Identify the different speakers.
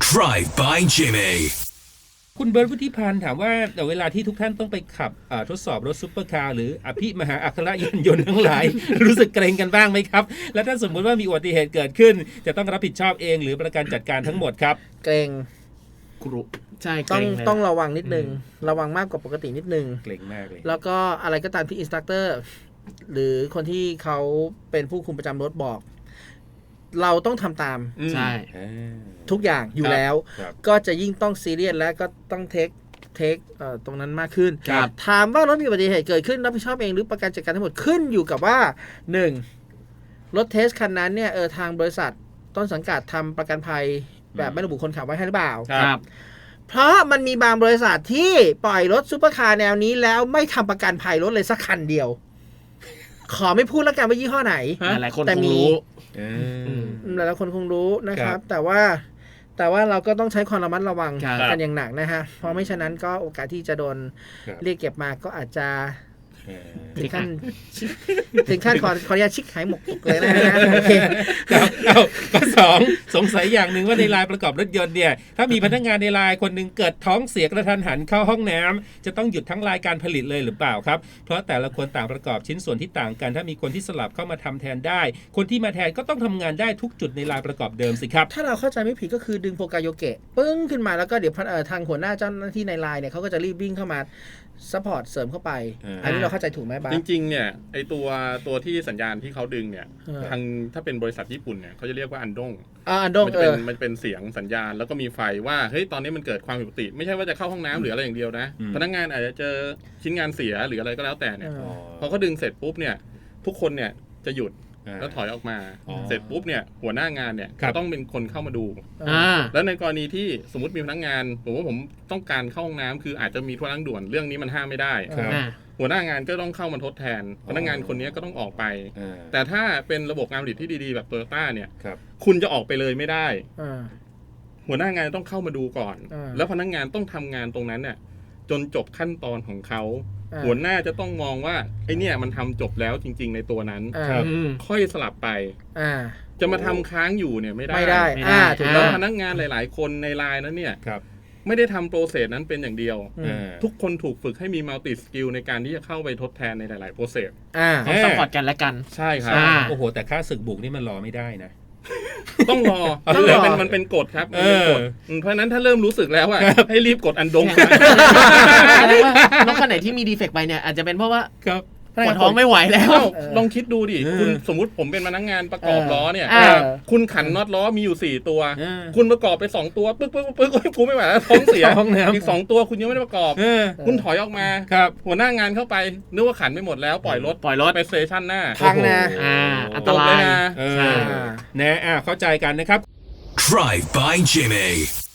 Speaker 1: Drive by Jimmy
Speaker 2: คุณเบิร์ต วุฒิพันธ์ถามว่าแต่เวลาที่ทุกท่านต้องไปขับทดสอบรถซุปเปอร์คาร์หรืออภิมหาอัครยานยนต์ทั้งหลาย รู้สึกเกรงกันบ้างไหมครับ และถ้าสมมติว่ามีอุบัติเหตุเกิดขึ้น จะต้องรับผิดชอบเองหรือประกันจัดการทั้งหมดครับ
Speaker 3: เกรง
Speaker 4: กรุใช่
Speaker 3: ต้องระวังนิดนึงระวังมากกว่าปกตินิดนึง
Speaker 2: เกรงมากเลย
Speaker 3: แล้วก็อะไรก็ตามที่อินสตรัคเตอร์หรือคนที่เขาเป็นผู้คุมประจำรถบอกเราต้องทำตาม
Speaker 4: ใช่
Speaker 3: ทุกอย่างอยู่แล้วก็จะยิ่งต้องซีเรียสและก็ต้องเทคตรงนั้นมากขึ้นถามว่ารถมีอุบัติเหตุเกิดขึ้นรับผิดชอบเองหรือประกันจัดการทั้งหมดขึ้นอยู่กับว่า1รถเทสคันนั้นเนี่ยทางบริษัทต้นสังกัดทำประกันภัยแบบไม่ระบุคนขับไว้ให้หรือเปล่า
Speaker 4: ครับ
Speaker 3: เพราะมันมีบางบริษัทที่ปล่อยรถซุปเปอร์คาร์แนวนี้แล้วไม่ทำประกันภัยรถเลยสักคันเดียวขอไม่พูดแล้วกันว่ายี่ห้อไหน
Speaker 4: หลายคนคงรู้
Speaker 3: หลายคนคงรู้นะครับแต่ว่าเราก็ต้องใช้ความระมัดระวังกันอย่างหนักนะฮะเพราะไม่ฉะนั้นก็โอกาสที่จะโดนเรียกเก็บมาก็อาจจะถึงขั้นขออนุญาตชิกหายหมกเลยนะฮะโอเค
Speaker 2: ก็สงสัยอย่างหนึ่งว่าในลายประกอบรถยนต์เนี่ยถ้ามีพนักงานในลายคนหนึ่งเกิดท้องเสียกระทันหันเข้าห้องน้ำจะต้องหยุดทั้งลายการผลิตเลยหรือเปล่าครับเพราะแต่ละคนต่างประกอบชิ้นส่วนที่ต่างกันถ้ามีคนที่สลับเข้ามาทำแทนได้คนที่มาแทนก็ต้องทำงานได้ทุกจุดในลายประกอบเดิมสิครับ
Speaker 3: ถ้าเราเข้าใจไม่ผิดก็คือดึงโปรไกโยเกะปึ้งขึ้นมาแล้วก็เดี๋ยวทางหัวหน้าเจ้าหน้าที่ในลายเนี่ยเขาก็จะรีบวิ่งเข้ามาซัพพอร์ตเสริมเข้าไปอันนี้เราเข้าใจถูกไหมบ้าง
Speaker 5: จริงๆเนี่ยไอตัวที่สัญญาณที่เขาดึงเนี่ยทางถ้าเป็นบริษัทญี่ปุ่นเนี่ยเขาจะเรียกว่าอันดงมันเป็นเสียงสัญญาณแล้วก็มีไฟว่าเฮ้ยตอนนี้มันเกิดความผิดปกติไม่ใช่ว่าจะเข้าห้องน้ำหรืออะไรอย่างเดียวนะพนักงานอาจจะเจอชิ้นงานเสียหรืออะไรก็แล้วแต่เนี่ยพอเขาดึงเสร็จปุ๊บเนี่ยทุกคนเนี่ยจะหยุดแล้วถอยออกมาเสร็จปุ๊บเนี่ยหัวหน้างานเนี่ยก็ต้องเป็นคนเข้ามาดูแล้วในกรณีที่สมมติมีพนักงานผมต้องการเข้าห้องน้ำคืออาจจะมีธุระด่วนเรื่องนี้มันห้ามไม่ได้หัวหน้างานก็ต้องเข้ามาทดแทนพนักงานคนนี้ก็ต้องออกไปแต่ถ้าเป็นระบบการผลิตที่ดีๆแบบโตโยต้าเนี่ยคุณจะออกไปเลยไม่ได้หัวหน้างานต้องเข้ามาดูก่อนแล้วพนักงานต้องทำงานตรงนั้นเนี่ยจนจบขั้นตอนของเขาหัวหน้าจะต้องมองว่าไอ้เนี่ยมันทำจบแล้วจริงๆในตัวนั้นค่อยสลับไปจะมาทำค้างอยู่เนี่ยไม่ได้
Speaker 3: ถูก
Speaker 5: แล้วพนักงานหลายๆคนในไลน์นั้นเนี่ยไม่ได้ทำโปรเซสนั้นเป็นอย่างเดียวทุกคนถูกฝึกให้มีมัลติสกิลในการที่จะเข้าไปทดแทนในหลายๆโปรเซส
Speaker 4: ต้องซัพพอร์ตกันและกัน
Speaker 5: ใช่ครับ
Speaker 2: โอ้โหแต่ค่าศึกบุกนี่มันรอไม่ได้นะ
Speaker 5: ต้องรอมันเป็นกฎครับมันเป็นกฎเพราะนั้นถ้าเริ่มรู้สึกแล้วว่าให้รีบกดอันดง
Speaker 4: รถคันไหนที่มีดีเฟกต์ไปเนี่ยอาจจะเป็นเพราะว่าปวดท้องไม่ไหวแล้ว
Speaker 5: ลองคิดดูดิคุณสมมุติผมเป็นพนักงานประกอบล้อเนี่ยคุณขันน็อตล้อมีอยู่4ตัวคุณประกอบไป2ตัวปึ๊กกูไม่ไหวแล้วท้องเสียอีก2ตัวคุณยังไม่ได้ประกอบคุณถอยออกมาหัวหน้างานเข้าไปนึกว่าขันไม่หมดแล้วปล่อยรถไปสเตชันหน้า
Speaker 3: พังนะ
Speaker 4: อันตราย
Speaker 2: นะเข้าใจกันนะครับ
Speaker 1: Drive by Jimmy